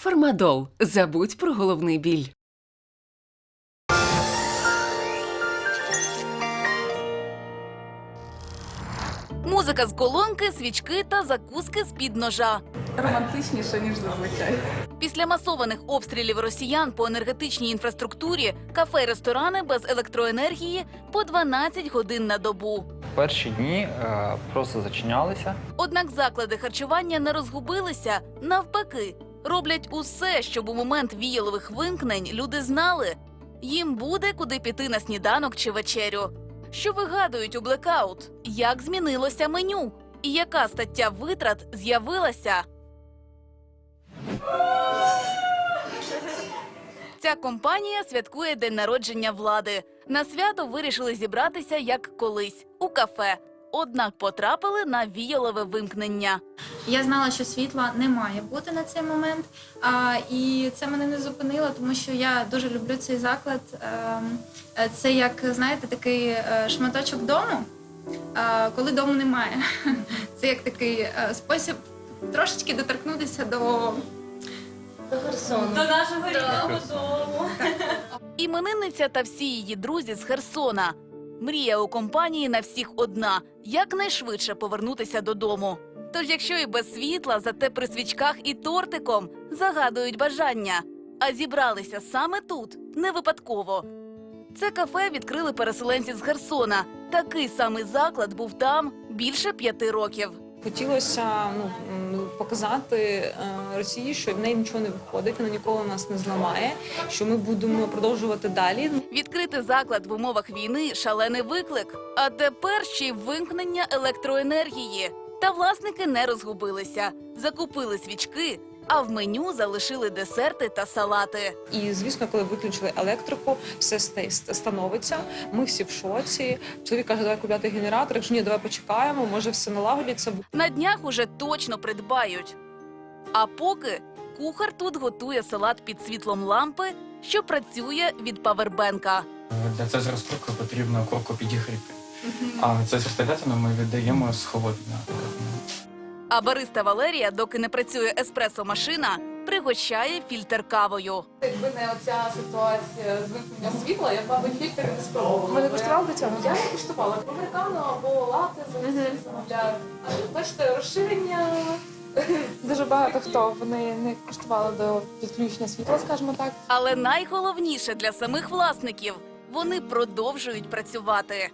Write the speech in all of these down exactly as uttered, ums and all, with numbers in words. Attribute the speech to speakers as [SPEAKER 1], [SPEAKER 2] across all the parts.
[SPEAKER 1] Фармадол. Забудь про головний біль.
[SPEAKER 2] Музика з колонки, свічки та закуски з-під ножа.
[SPEAKER 3] Романтичніше, ніж зазвичай.
[SPEAKER 2] Після масованих обстрілів росіян по енергетичній інфраструктурі кафе й ресторани без електроенергії по дванадцять годин на добу.
[SPEAKER 4] Перші дні е, просто зачинялися.
[SPEAKER 2] Однак заклади харчування не розгубилися, навпаки. Роблять усе, щоб у момент віялових вимкнень люди знали – їм буде куди піти на сніданок чи вечерю. Що вигадують у блекаут? Як змінилося меню? І яка стаття витрат з'явилася? Ця компанія святкує день народження влади. На свято вирішили зібратися як колись – у кафе. Однак потрапили на віялове вимкнення.
[SPEAKER 5] Я знала, що світла не має бути на цей момент, а, і це мене не зупинило, тому що я дуже люблю цей заклад. Е, це як, знаєте, такий е, шматочок дому, е, коли дому немає. Це як такий е, спосіб трошечки доторкнутися до...
[SPEAKER 6] До Херсону.
[SPEAKER 5] До нашого рідного дому.
[SPEAKER 2] Іменинниця та всі її друзі з Херсона. Мрія у компанії на всіх одна – якнайшвидше повернутися додому. Тож якщо і без світла, зате при свічках і тортиком загадують бажання. А зібралися саме тут, не випадково. Це кафе відкрили переселенці з Херсона. Такий самий заклад був там більше п'яти років.
[SPEAKER 3] Хотілося ну, показати е, Росії, що в неї нічого не виходить, вона ніколи нас не зламає, що ми будемо продовжувати далі.
[SPEAKER 2] Відкрити заклад в умовах війни – шалений виклик. А тепер ще й вимкнення електроенергії. Та власники не розгубилися. Закупили свічки, а в меню залишили десерти та салати.
[SPEAKER 3] І, звісно, коли виключили електрику, все становиться, ми всі в шоці. Чоловік каже, давай купляти генератор, якщо ні, давай почекаємо, може все налагодиться.
[SPEAKER 2] На днях уже точно придбають. А поки кухар тут готує салат під світлом лампи, що працює від павербенка.
[SPEAKER 7] Для цезаря розкрутки потрібно курку підігріти. А цезар стегатину ми віддаємо з холодною.
[SPEAKER 2] А бариста Валерія, доки не працює еспресо-машина, пригощає фільтр кавою.
[SPEAKER 8] Якби не оця ситуація з вимкнення світла, я б, мабуть, фільтр не спробувала. Ви не куштували до цього? Я не куштувала. Американо або лати замовляю. Бачите, розширення. Дуже багато хто вони не куштували до підключення світла, скажімо так.
[SPEAKER 2] Але найголовніше для самих власників – вони продовжують працювати.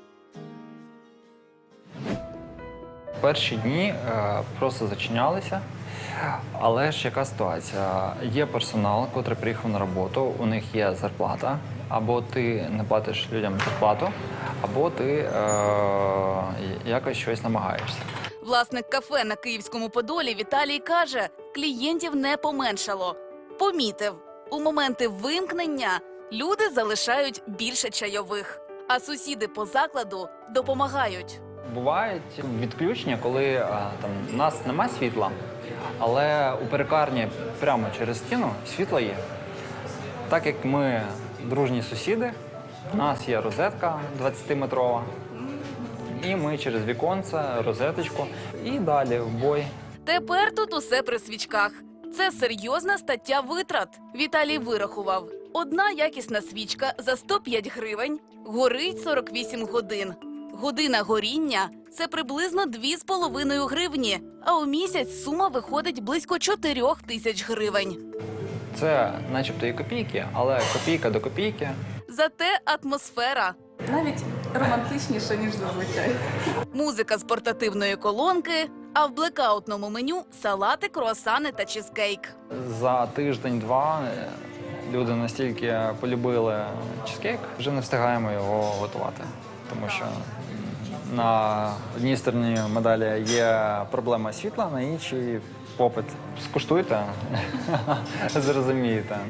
[SPEAKER 4] Перші дні е, просто зачинялися. Але ж яка ситуація? Є персонал, який приїхав на роботу, у них є зарплата. Або ти не платиш людям зарплату, або ти е, якось щось намагаєшся.
[SPEAKER 2] Власник кафе на Київському Подолі Віталій каже, клієнтів не поменшало. Помітив, у моменти вимкнення люди залишають більше чайових, а сусіди по закладу допомагають.
[SPEAKER 4] Бувають відключення, коли а, там, у нас немає світла, але у перекарні прямо через стіну світло є. Так як ми дружні сусіди, у нас є розетка двадцятиметрова, і ми через віконце, розеточку, і далі в бой.
[SPEAKER 2] Тепер тут усе при свічках. Це серйозна стаття витрат. Віталій вирахував. Одна якісна свічка за сто п'ять гривень горить сорок вісім годин. Година горіння – це приблизно дві з половиною гривні, а у місяць сума виходить близько чотирьох тисяч гривень.
[SPEAKER 4] Це начебто і копійки, але копійка до копійки.
[SPEAKER 2] Зате атмосфера.
[SPEAKER 3] Навіть романтичніше, ніж зазвичай.
[SPEAKER 2] Музика з портативної колонки, а в блекаутному меню – салати, круасани та чизкейк.
[SPEAKER 4] За тиждень-два люди настільки полюбили чизкейк, вже не встигаємо його готувати. Тому що на одній стороні медалі є проблема світла, на іншій – попит. Скуштуйте, зрозумієте.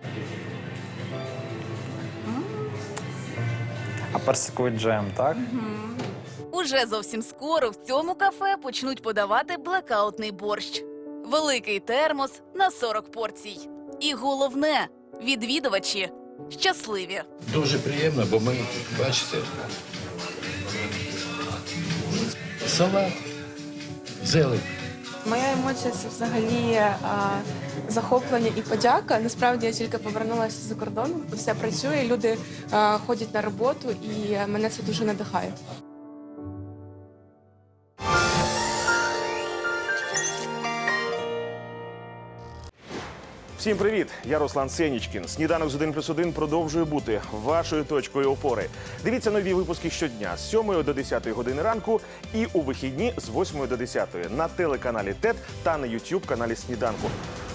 [SPEAKER 4] А персиковий джем, так?
[SPEAKER 2] Уже зовсім скоро в цьому кафе почнуть подавати блекаутний борщ. Великий термос на сорок порцій. І головне – відвідувачі щасливі.
[SPEAKER 9] Дуже приємно, бо ми, бачите, салат, зелень.
[SPEAKER 8] Моя емоція – це взагалі а, захоплення і подяка. Насправді я тільки повернулася з-за кордону, все працює, люди е, ходять на роботу, і мене це дуже надихає.
[SPEAKER 10] Всім привіт! Я Руслан Сенічкін. Сніданок з один плюс один продовжує бути вашою точкою опори. Дивіться нові випуски щодня з сьомої до десятої години ранку і у вихідні з восьмої до десятої на телеканалі ТЕТ та на ютуб каналі Сніданку.